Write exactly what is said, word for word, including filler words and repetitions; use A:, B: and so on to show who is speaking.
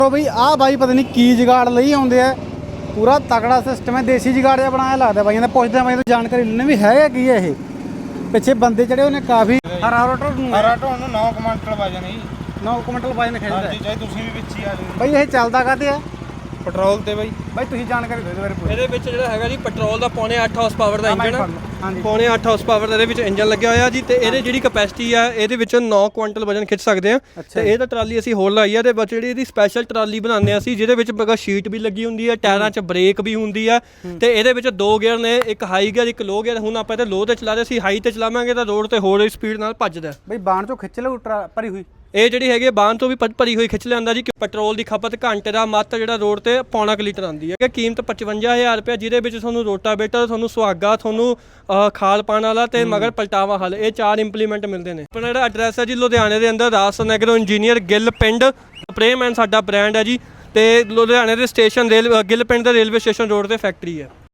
A: तो बई आ बाई पता नहीं की जुगाड़ ਲਈ ਆਉਂਦੇ ਆ पूरा तगड़ा सिस्टम है देसी जुगाड़ ਜਿਹਾ ਬਣਾਇਆ ਲੱਗਦਾ ਬਾਈਆਂ ਦਾ ਪੁੱਛਦੇ ਆ ਬਾਈ ਤੋਂ ਜਾਣਕਾਰੀ ਲੈਣੇ ਵੀ ਹੈਗਾ ਕੀ ਹੈ ਇਹ ਪਿੱਛੇ ਬੰਦੇ ਜਿਹੜੇ ਉਹਨੇ ਕਾਫੀ ਹਰਾ ਰੋਟਰ ਨੂੰ
B: ਹਰਾ ਢੋਣ ਨੂੰ ਨੌ ਕੁਇੰਟਲ ਵਜਨ ਹੈ
A: ਨੌ ਕੁਇੰਟਲ ਵਜਨ ਖਿੱਚਦਾ
B: ਹਾਂਜੀ ਚਾਹੇ ਤੁਸੀਂ ਵੀ ਵਿੱਚ ਹੀ ਆ ਜਾਓ
A: ਬਾਈ ਇਹ ਚੱਲਦਾ ਕਾਹਤੇ ਆ
B: ਪੈਟਰੋਲ ਤੇ ਬਾਈ
A: ਬਾਈ ਤੁਸੀਂ ਜਾਣਕਾਰੀ ਦਿਓ ਇਹਦੇ ਬਾਰੇ
C: ਇਹਦੇ ਵਿੱਚ ਜਿਹੜਾ ਹੈਗਾ ਜੀ ਪੈਟਰੋਲ ਦਾ ਪੌਣੇ ਅੱਠ ਹਾਰਸ ਪਾਵਰ ਦਾ ਇੰਜਨ ਆ
A: ਹਾਂਜੀ
C: ਪੌਣੇ ਅੱਠ ਹਾਰਸ ਪਾਵਰ ਦਾ ਇਹਦੇ ਵਿੱਚ ਇੰਜਨ ਲੱਗਿਆ ਹੋਇਆ ਜੀ ਤੇ ਇਹਦੇ ਜਿਹੜੀ ਕਪੈਸਿਟੀ ਆ ਇਹਦੇ ਵਿੱਚ ਨੌ ਕੁਇੰਟਲ ਵਜਨ ਖਿੱਚ ਸਕਦੇ ਆ ਤੇ ਇਹ ਤਾਂ ਟਰਾਲੀ ਅਸੀਂ ਹੋਰ ਲਾਈ ਆ ਤੇ ਵਿੱਚ ਜਿਹੜੀ ਇਹਦੀ ਸਪੈਸ਼ਲ ਟਰਾਲੀ ਬਣਾਉਂਦੇ ਆ ਅਸੀਂ ਜਿਹਦੇ ਵਿੱਚ ਬਗਾ ਸ਼ੀਟ ਵੀ ਲੱਗੀ ਹੁੰਦੀ ਆ ਟਾਇਰਾਂ 'ਚ ਬ੍ਰੇਕ ਵੀ ਹੁੰਦੀ ਆ ਤੇ ਇਹਦੇ ਵਿੱਚ ਦੋ ਗੇਅਰ ਨੇ ਇੱਕ ਹਾਈ ਗੇਅਰ ਇੱਕ ਲੋ ਗੇਅਰ ਹੁਣ ਆਪਾਂ ਇਹਦੇ ਲੋ ਤੇ ਚਲਾ ਰਹੇ ਸੀ ਹਾਈ ਤੇ ਚਲਾਵਾਂਗੇ ਤਾਂ ਰੋਡ ਤੇ ਹੋਰ ਸਪੀਡ ਨਾਲ ਭੱਜਦਾ
A: ਬਾਈ ਬਾਣ ਚੋਂ ਖਿੱਚ ਲਓ ਭਰੀ ਹੋਈ
C: ਇਹ ਜਿਹੜੀ ਹੈਗੀ ਬਾਹਨ ਤੋਂ ਵੀ ਭਰੀ ਹੋਈ ਖਿੱਚ ਲੈਂਦਾ ਜੀ ਕਿ ਪੈਟਰੋਲ ਦੀ ਖਪਤ ਘੰਟੇ ਦਾ ਮੱਤ ਜਿਹੜਾ ਰੋਡ ਤੇ ਪੌਣਾ ਕੁ ਲੀਟਰ ਆਉਂਦੀ ਹੈ ਕਿ ਕੀਮਤ ਪਚਵੰਜਾ ਹਜ਼ਾਰ ਰੁਪਏ ਜਿਹਦੇ ਵਿੱਚ ਤੁਹਾਨੂੰ ਰੋਟਾਵੇਟਰ ਤੁਹਾਨੂੰ ਸੁਹਾਗਾ ਤੁਹਾਨੂੰ ਖਾਲ ਪਾਣ ਵਾਲਾ ਤੇ ਮਗਰ ਪਲਟਾਵਾ ਹਲ ਇਹ ਚਾਰ ਇੰਪਲੀਮੈਂਟ ਮਿਲਦੇ ਨੇ ਆਪਣਾ ਜਿਹੜਾ ਐਡਰੈਸ ਹੈ ਜੀ ਲੁਧਿਆਣੇ ਦੇ ਅੰਦਰ ਰਾਜਸਥਾਨ ਐਗਰੋ ਇੰਜੀਨੀਅਰ ਗਿੱਲ ਪਿੰਡ ਸਪਰੇਮੈਨ ਸਾਡਾ ਬ੍ਰਾਂਡ ਹੈ ਜੀ ਤੇ ਲੁਧਿਆਣੇ ਦੇ ਸਟੇਸ਼ਨ ਰੇਲ ਗਿੱਲ ਪਿੰਡ ਦਾ ਰੇਲਵੇ ਸਟੇਸ਼ਨ ਰੋਡ ਤੇ ਫੈਕਟਰੀ ਹੈ।